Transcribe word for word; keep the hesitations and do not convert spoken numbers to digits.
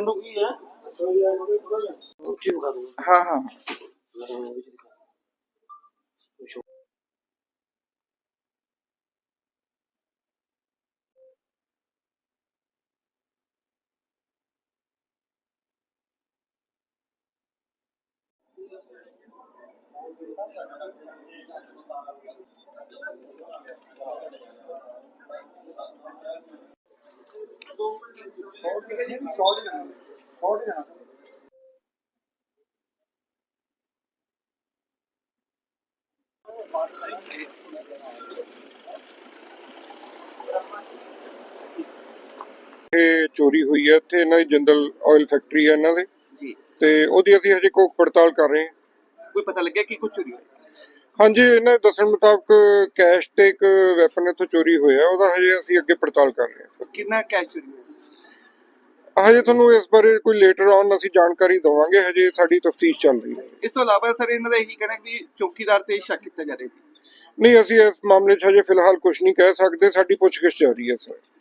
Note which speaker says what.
Speaker 1: मेनू की है ऊंची बता दूंगा।
Speaker 2: हाँ हाँ
Speaker 3: ਇਹ ਚੋਰੀ ਹੋਈ ਹੈ ਇੱਥੇ ਇਹਨਾਂ ਦੀ ਜਿੰਦਲ ਆਇਲ ਫੈਕਟਰੀ ਹੈ ਇਹਨਾਂ ਦੇ
Speaker 2: जी
Speaker 3: ਤੇ ਉਹਦੀ ਅਸੀਂ ਹਜੇ ਕੋਕ ਪੜਤਾਲ ਕਰ ਰਹੇ ਹਾਂ।
Speaker 2: कोई पता लग गया कि कुछ चोरी हुई
Speaker 3: ਹਾਂਜੀ ਇਹਨਾਂ ਦੇ ਦੱਸਣ ਮੁਤਾਬਕ ਕੈਸ਼ ਤੇ ਇੱਕ ਵੈਪਨ ਇੱਥੋਂ ਚੋਰੀ ਹੋਇਆ ਉਹਦਾ ਹਜੇ ਅਸੀਂ ਅੱਗੇ ਪੜਤਾਲ ਕਰ ਰਹੇ ਹਾਂ।
Speaker 2: कितना कैश चोरी हुआ
Speaker 3: ਹਜੇ ਤੁਹਾਨੂੰ ਇਸ ਬਾਰੇ ਕੋਈ ਲੇਟਰ ਔਨ ਅਸੀਂ ਜਾਣਕਾਰੀ ਦੇਵਾਂਗੇ ਹਜੇ ਸਾਡੀ ਤਫਤੀਸ਼ ਚੱਲ ਰਹੀ ਹੈ।
Speaker 2: ਇਸ ਤੋਂ ਇਲਾਵਾ ਸਰ ਇਹਨਾਂ ਦਾ ਇਹੀ ਕਹਿਣਾ ਕਿ ਚੌਕੀਦਾਰ ਤੇ ਸ਼ੱਕ ਕੀਤਾ ਜਾ ਰਿਹਾ ਸੀ।
Speaker 3: ਨਹੀਂ ਅਸੀਂ ਇਸ ਮਾਮਲੇ 'ਚ ਹਜੇ ਫਿਲਹਾਲ ਕੁਝ ਨਹੀਂ ਕਹਿ ਸਕਦੇ ਸਾਡੀ ਪੁੱਛਗਿੱਛ ਜਾਰੀ ਹੈ ਸਰ।